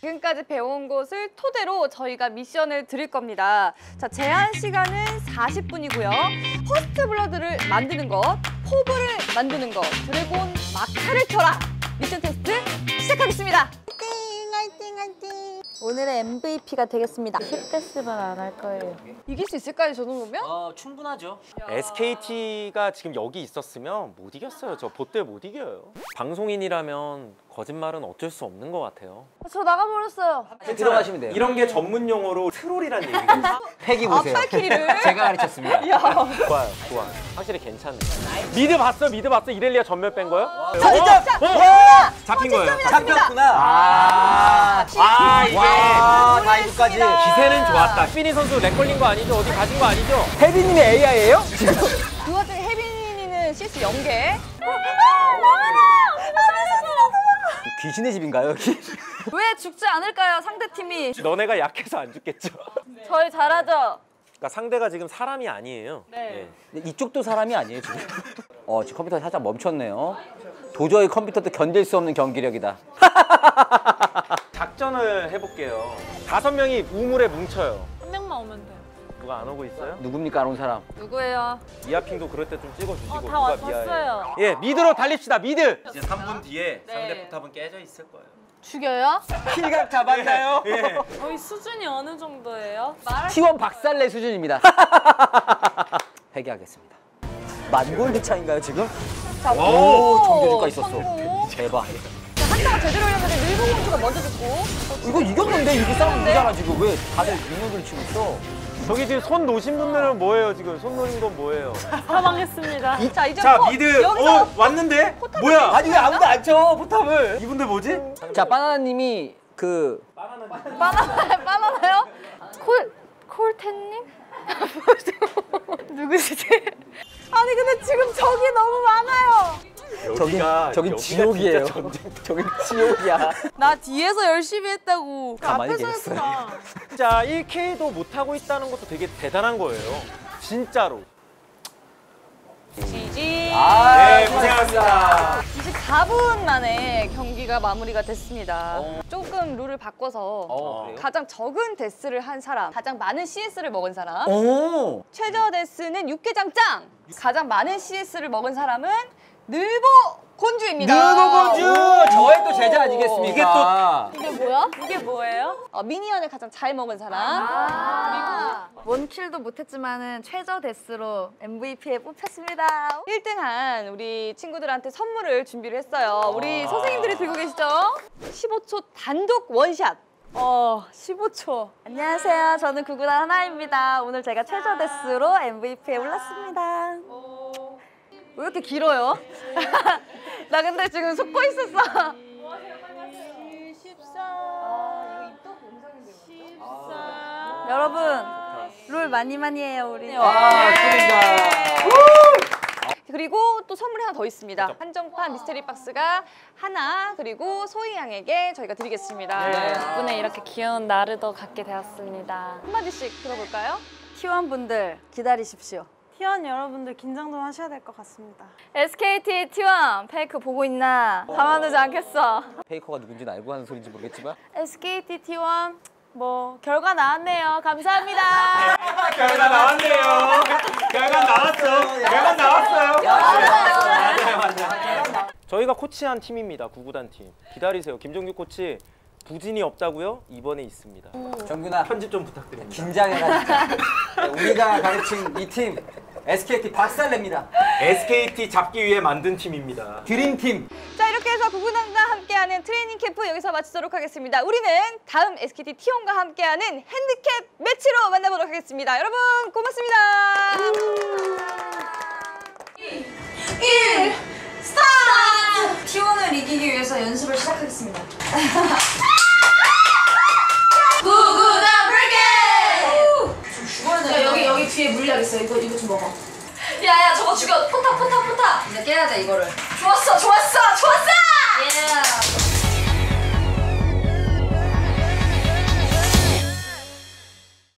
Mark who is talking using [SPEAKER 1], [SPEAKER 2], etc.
[SPEAKER 1] 지금까지 배운 것을 토대로 저희가 미션을 드릴 겁니다. 자, 제한 시간은 40분이고요. 퍼스트 블러드를 만드는 것, 포브를 만드는 것, 드래곤 막타를 켜라! 미션 테스트 시작하겠습니다. 화이팅! 오늘의 MVP가 되겠습니다.
[SPEAKER 2] 힙데스만 안 할 거예요.
[SPEAKER 1] 이길 수 있을까요, 저 정도면?
[SPEAKER 3] 충분하죠.
[SPEAKER 4] SKT가 지금 여기 있었으면 못 이겼어요. 저 보때 못 이겨요. 방송인이라면 거짓말은 어쩔 수 없는 것 같아요.
[SPEAKER 1] 저 나가버렸어요.
[SPEAKER 3] 들어가시면 돼요.
[SPEAKER 4] 이런 게 전문 용어로 트롤이란 얘기가 있어요.
[SPEAKER 3] 패기 보세요.
[SPEAKER 1] 팔키리를?
[SPEAKER 3] 제가 가르쳤습니다.
[SPEAKER 4] 좋아요. 확실히 괜찮네. 미드 봤어? 이렐리아 전멸 뺀 거요?
[SPEAKER 1] 진짜!
[SPEAKER 4] 잡힌 거예요.
[SPEAKER 3] 잡혔구나.
[SPEAKER 4] 이게
[SPEAKER 3] 다이브까지.
[SPEAKER 4] 기세는 좋았다. 휘니 선수 렉 걸린 거 아니죠? 어디 가신 거 아니죠?
[SPEAKER 3] 혜빈님이 AI예요?
[SPEAKER 1] 그 와중에 혜빈이는 CS 0개.
[SPEAKER 3] 귀신의 집인가요, 여기?
[SPEAKER 1] 왜 죽지 않을까요, 상대팀이?
[SPEAKER 4] 너네가 약해서 안 죽겠죠?
[SPEAKER 1] 저희 잘하죠?
[SPEAKER 4] 그러니까 상대가 지금 사람이 아니에요.
[SPEAKER 1] 네.
[SPEAKER 3] 이쪽도 사람이 아니에요, 지금. 지금 컴퓨터 살짝 멈췄네요. 도저히 컴퓨터도 견딜 수 없는 경기력이다.
[SPEAKER 4] 작전을 해볼게요. 5명이 우물에 뭉쳐요.
[SPEAKER 2] 한 명만 오면 돼요.
[SPEAKER 4] 누가 안 오고 있어요?
[SPEAKER 3] 누굽니까, 안 온 사람?
[SPEAKER 1] 누구예요?
[SPEAKER 4] 이하핑도 그럴 때 좀 찍어주시고.
[SPEAKER 2] 다 왔어요.
[SPEAKER 4] 예, 미드로 달립시다, 미드! 이제 3분 뒤에 상대 포탑은 깨져 있을 거예요.
[SPEAKER 1] 죽여요?
[SPEAKER 3] 킬각 잡았나요?
[SPEAKER 4] 예.
[SPEAKER 2] 저희 수준이 어느 정도예요?
[SPEAKER 3] T1 박살내 수준입니다. 회개하겠습니다. 만골드 차인가요, 지금?
[SPEAKER 1] 자,
[SPEAKER 3] 오, 정규주가 있었어.
[SPEAKER 1] 성공.
[SPEAKER 3] 대박.
[SPEAKER 1] 자, 한타가 제대로 열렸는데 늙은 공주가 먼저 죽고.
[SPEAKER 3] 이거 이겼는데 이거 싸움 이기잖아, 지금. 왜 다들 민호들 치고 있어?
[SPEAKER 4] 저기 지금 손 놓으신 분들은 뭐예요, 지금? 손 놓은 건 뭐예요?
[SPEAKER 2] 사망했습니다.
[SPEAKER 1] 자, 이제
[SPEAKER 4] 미드!
[SPEAKER 1] 여기서
[SPEAKER 4] 왔는데? 뭐야?
[SPEAKER 3] 아니 왜 아무도 안 쳐, 포탑을?
[SPEAKER 4] 이분들 뭐지?
[SPEAKER 3] 자, 바나나님이
[SPEAKER 1] 바나나요? 콜텐님? 누구시지? 아니 근데 지금 적이 너무 많아요.
[SPEAKER 3] 저긴 지옥이에요. 저긴 지옥이야.
[SPEAKER 1] 나 뒤에서 열심히 했다고.
[SPEAKER 3] 가만히
[SPEAKER 1] 앞에서
[SPEAKER 3] 계셨어요.
[SPEAKER 1] 했구나.
[SPEAKER 4] 진짜 1K도 못하고 있다는 것도 되게 대단한 거예요. 진짜로.
[SPEAKER 1] 지지.
[SPEAKER 4] 네, 고생하셨습니다.
[SPEAKER 1] 24분 만에 경기가 마무리가 됐습니다. 조금 룰을 바꿔서
[SPEAKER 3] 그래요?
[SPEAKER 1] 가장 적은 데스를 한 사람, 가장 많은 CS를 먹은 사람,
[SPEAKER 3] 오.
[SPEAKER 1] 최저 데스는 육개장짱, 가장 많은 CS를 먹은 사람은 늘보 곤주입니다.
[SPEAKER 3] 늘보곤주! 저의 또 제자 아니겠습니까?
[SPEAKER 4] 이게
[SPEAKER 1] 이게 뭐야?
[SPEAKER 2] 이게 뭐예요?
[SPEAKER 1] 미니언을 가장 잘 먹은 사람. 원킬도 못했지만은 최저 데스로 MVP에 뽑혔습니다. 1등한 우리 친구들한테 선물을 준비를 했어요. 우리 선생님들이 들고 계시죠? 15초 단독 원샷. 15초. 안녕하세요. 저는 구구단 하나입니다. 오늘 제가 최저 데스로 MVP에 올랐습니다. 왜 이렇게 길어요? 나 근데 지금 속고 있었어. 14. 여러분, 롤 많이 해요, 우리.
[SPEAKER 3] 축하드립니다.
[SPEAKER 1] 그리고 또 선물이 하나 더 있습니다. 한정판 미스테리 박스가 하나, 그리고 소희 양에게 저희가 드리겠습니다.
[SPEAKER 2] 덕분에 이렇게 귀여운 나르도 갖게 되었습니다.
[SPEAKER 1] 한마디씩 들어볼까요? T1 분들 기다리십시오.
[SPEAKER 2] T1 여러분들 긴장 좀 하셔야 될 것 같습니다.
[SPEAKER 1] SKT T1 페이크 보고 있나? 가만두지 않겠어.
[SPEAKER 3] 페이커가 누군지는 알고 하는 소리인지 모르겠지만
[SPEAKER 1] SKT T1 뭐 결과 나왔네요. 감사합니다.
[SPEAKER 4] 결과 나왔네요. 결과 나왔어요. 맞아요. 저희가 코치한 팀입니다. 구구단 팀. 기다리세요. 김정규 코치 부진이 없다고요? 이번에 있습니다.
[SPEAKER 3] 정균아,
[SPEAKER 4] 편집 좀 부탁드립니다.
[SPEAKER 3] 긴장해가지고. 우리가 가르친 이 팀 SKT 박살냅니다.
[SPEAKER 4] SKT 잡기 위해 만든 팀입니다.
[SPEAKER 3] 드림팀.
[SPEAKER 1] 자, 이렇게 해서 구구단과 함께하는 트레이닝 캠프 여기서 마치도록 하겠습니다. 우리는 다음 SKT T1과 함께하는 핸디캡 매치로 만나보도록 하겠습니다. 여러분 고맙습니다. 1, 스타트! T1을 이기기 위해서 연습을 시작하겠습니다. 구구단 브리게이드! 좀 죽어야 여기 뒤에 물약 있어. 이거 좀 먹어. 야야, 저거 죽여. 포탑. 이제 깨야 돼, 이거를. 좋았어. 예.